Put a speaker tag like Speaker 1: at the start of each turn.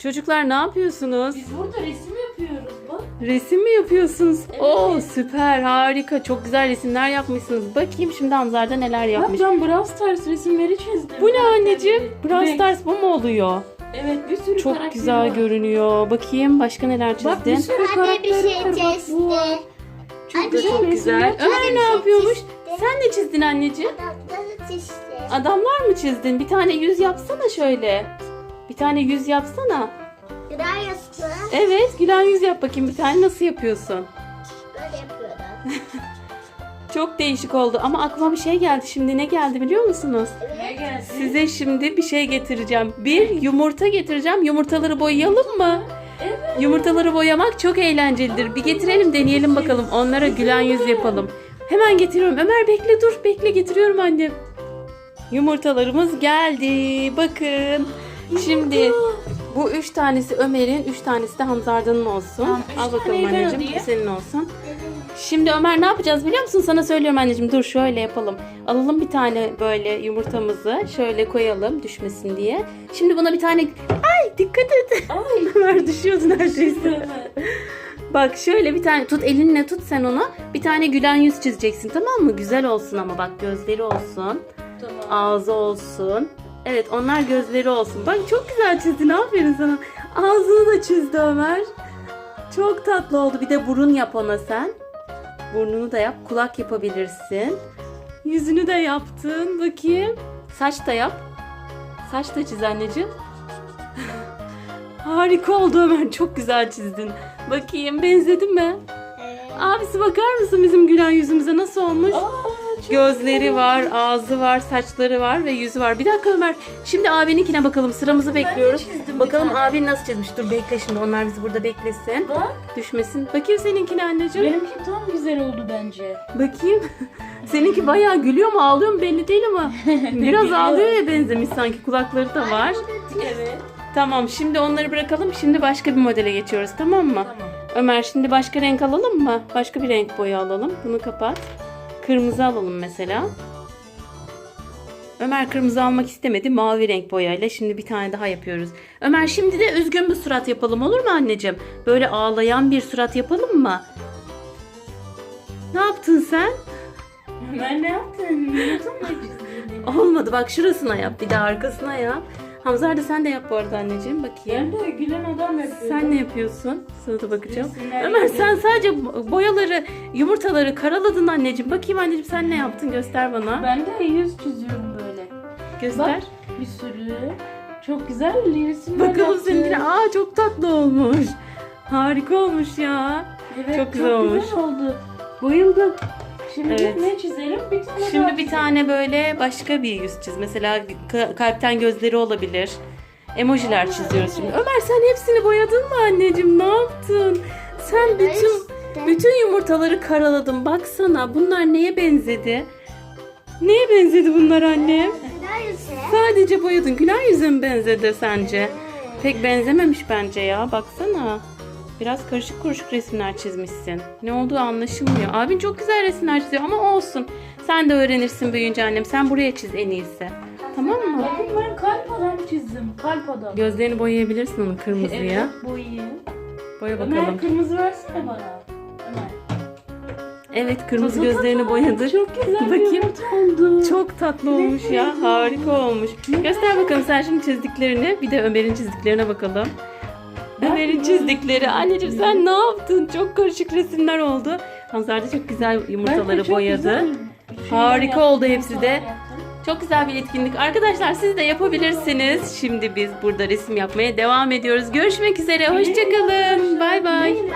Speaker 1: Çocuklar ne yapıyorsunuz?
Speaker 2: Biz burada resim yapıyoruz bak.
Speaker 1: Resim mi yapıyorsunuz?
Speaker 2: Evet.
Speaker 1: Oo süper, harika. Çok güzel resimler yapmışsınız. Bakayım şimdi Hamzar'da neler yapmış.
Speaker 2: Bak ben Brawl Stars resimleri çizdim.
Speaker 1: Bu ne anneciğim? Brawl
Speaker 2: Renk.
Speaker 1: Stars bu mu oluyor?
Speaker 2: Evet, bir sürü
Speaker 1: Çok
Speaker 2: karakteri
Speaker 1: güzel
Speaker 2: var.
Speaker 1: görünüyor. Bakayım başka neler
Speaker 2: Bak bir
Speaker 1: çizdin.
Speaker 2: sürü
Speaker 3: Anne bir
Speaker 2: karakteri
Speaker 3: şey
Speaker 2: var. Bak bu var.
Speaker 3: testi.
Speaker 2: Çok
Speaker 1: Bu da
Speaker 2: güzel
Speaker 1: çok güzel.
Speaker 2: resimler.
Speaker 1: Ömer ne yapıyormuş? Sen ne çizdin anneciğim?
Speaker 3: Adamları testi.
Speaker 1: Adamlar mı çizdin? Bir tane yüz yapsana şöyle. Bir tane yüz yapsana.
Speaker 3: Gıda yastığı.
Speaker 1: Evet, gülen yüz yap bakayım bir tane. Nasıl yapıyorsun?
Speaker 3: Böyle yapıyorlar.
Speaker 1: Çok değişik oldu ama aklıma bir şey geldi. Şimdi ne geldi biliyor musunuz?
Speaker 2: Ne geldi?
Speaker 1: Size şimdi bir şey getireceğim. Bir yumurta getireceğim. Yumurtaları boyayalım mı?
Speaker 2: Evet.
Speaker 1: Yumurtaları boyamak çok eğlencelidir. Bir getirelim, deneyelim bakalım. Onlara gülen yüz yapalım. Hemen getiriyorum. Ömer bekle dur. Bekle, getiriyorum annem. Yumurtalarımız geldi. Bakın. Şimdi bu 3 tanesi Ömer'in, 3 tanesi de Hamzarda'nın olsun.
Speaker 2: Tamam, üç
Speaker 1: Al bakalım
Speaker 2: taneyi ben
Speaker 1: anneciğim.
Speaker 2: alayım.
Speaker 1: Bu senin olsun. Şimdi Ömer ne yapacağız biliyor musun? Sana söylüyorum anneciğim. Dur şöyle yapalım. Alalım bir tane böyle yumurtamızı. Şöyle koyalım düşmesin diye. Şimdi buna bir tane... Ay dikkat et.
Speaker 2: Ay.
Speaker 1: Ömer düşüyordu neredeyse. Bak şöyle bir tane tut, elinle tut sen ona. Bir tane gülen yüz çizeceksin, tamam mı? Güzel olsun ama bak, gözleri olsun.
Speaker 2: Tamam.
Speaker 1: Ağzı olsun. Evet, onlar gözleri olsun. Bak çok güzel çizdin, aferin sana. Ağzını da çizdi Ömer. Çok tatlı oldu. Bir de burun yap ona sen. Burnunu da yap. Kulak yapabilirsin. Yüzünü de yaptın. Bakayım. Saç da yap. Saç da çiz anneciğim. Harika oldu Ömer. Çok güzel çizdin. Bakayım, benzedi mi? Abisi bakar mısın bizim gülen yüzümüze nasıl olmuş?
Speaker 2: Çok
Speaker 1: Gözleri
Speaker 2: güzel.
Speaker 1: var, ağzı var, saçları var ve yüzü var. Bir dakika Ömer. Şimdi abininkine bakalım. Sıramızı bekliyoruz.
Speaker 2: çizdim bir
Speaker 1: Bakalım
Speaker 2: tane.
Speaker 1: abin nasıl çizmiş. Dur bekle şimdi. Onlar bizi burada beklesin.
Speaker 2: Bak,
Speaker 1: Düşmesin. Bakayım seninkine anneciğim.
Speaker 2: benimki tam güzel oldu bence.
Speaker 1: Bakayım. Seninki bayağı gülüyor mu, ağlıyor mu belli değil ama biraz
Speaker 2: Gülüyor.
Speaker 1: ağlıyor ya, benzemiş sanki. Kulakları da var.
Speaker 2: Evet.
Speaker 1: Tamam, şimdi onları bırakalım. Şimdi başka bir modele geçiyoruz, tamam mı?
Speaker 2: Tamam.
Speaker 1: Ömer şimdi başka renk alalım mı? Başka bir renk boya alalım. Bunu kapat. Kırmızı alalım mesela. Ömer kırmızı almak istemedi. Mavi renk boyayla şimdi bir tane daha yapıyoruz. Ömer şimdi de üzgün bir surat yapalım, olur mu anneciğim? Böyle ağlayan bir surat yapalım mı? Ne yaptın sen?
Speaker 2: Ben ne yaptın? Unuttun mu çizdiğini?
Speaker 1: Olmadı, bak şurasına yap, bir de arkasına yap. Hamzar da sen de yap bu arada anneciğim, bakayım.
Speaker 2: Ben de gülen adam yapıyorum.
Speaker 1: Sen ne yapıyorsun? Sana da bakacağım.
Speaker 2: Resimler
Speaker 1: Ömer
Speaker 2: yapıyorum.
Speaker 1: sen sadece boyaları, yumurtaları karaladın anneciğim. Bakayım anneciğim sen ne yaptın? Göster bana.
Speaker 2: Ben de yüz çiziyorum böyle.
Speaker 1: Göster.
Speaker 2: Bak, bir sürü. Çok güzel resimler
Speaker 1: Bakalım
Speaker 2: yaptım.
Speaker 1: seninkine. Aa çok tatlı olmuş. Harika olmuş ya.
Speaker 2: Evet,
Speaker 1: çok güzel olmuş.
Speaker 2: Güzel oldu. Bayıldım. Şimdi
Speaker 1: Evet.
Speaker 2: ne çizelim? Bir tane
Speaker 1: Şimdi
Speaker 2: daha
Speaker 1: bir tane böyle başka bir yüz çiz. Mesela kalpten gözleri olabilir. Emojiler çiziyoruz şimdi. Ömer sen hepsini boyadın mı anneciğim? Ne yaptın? Sen bütün yumurtaları karaladın. Baksana bunlar neye benzedi? Neye benzedi bunlar annem?
Speaker 3: Gıda yastığı.
Speaker 1: Sadece boyadın. Gülen yüze mi benzedi sence? Pek benzememiş bence ya. Baksana. Biraz karışık kuruşuk resimler çizmişsin. Ne olduğu anlaşılmıyor. Abin çok güzel resimler çiziyor ama olsun. Sen de öğrenirsin büyüyünce annem. Sen buraya çiz en iyisi. Tamam mı?
Speaker 2: Bakın ben kalp adam çizdim. Kalp adam.
Speaker 1: Gözlerini boyayabilirsin onun kırmızıya.
Speaker 2: Evet, boyayayım.
Speaker 1: Boya
Speaker 2: Ömer
Speaker 1: bakalım.
Speaker 2: kırmızı versene bana. Ömer.
Speaker 1: Evet, kırmızı gözlerini boyadık.
Speaker 2: Çok güzel bir
Speaker 1: Bakayım.
Speaker 2: yumurta oldu.
Speaker 1: Çok tatlı olmuş ya. Harika olmuş. Göster bakalım sen şimdi çizdiklerini. Bir de Ömer'in çizdiklerine bakalım. Ömer'in çizdikleri. Anneciğim sen ne yaptın? Çok karışık resimler oldu. Hamzar da çok güzel
Speaker 2: Ben de
Speaker 1: yumurtaları
Speaker 2: çok
Speaker 1: boyadı.
Speaker 2: güzel şeyler
Speaker 1: Harika
Speaker 2: yaptım,
Speaker 1: oldu hepsi de.
Speaker 2: yumurtalar yaptım.
Speaker 1: Çok güzel bir etkinlik. Arkadaşlar siz de yapabilirsiniz. Şimdi biz burada resim yapmaya devam ediyoruz. Görüşmek üzere. Hoşçakalın. Bay bay.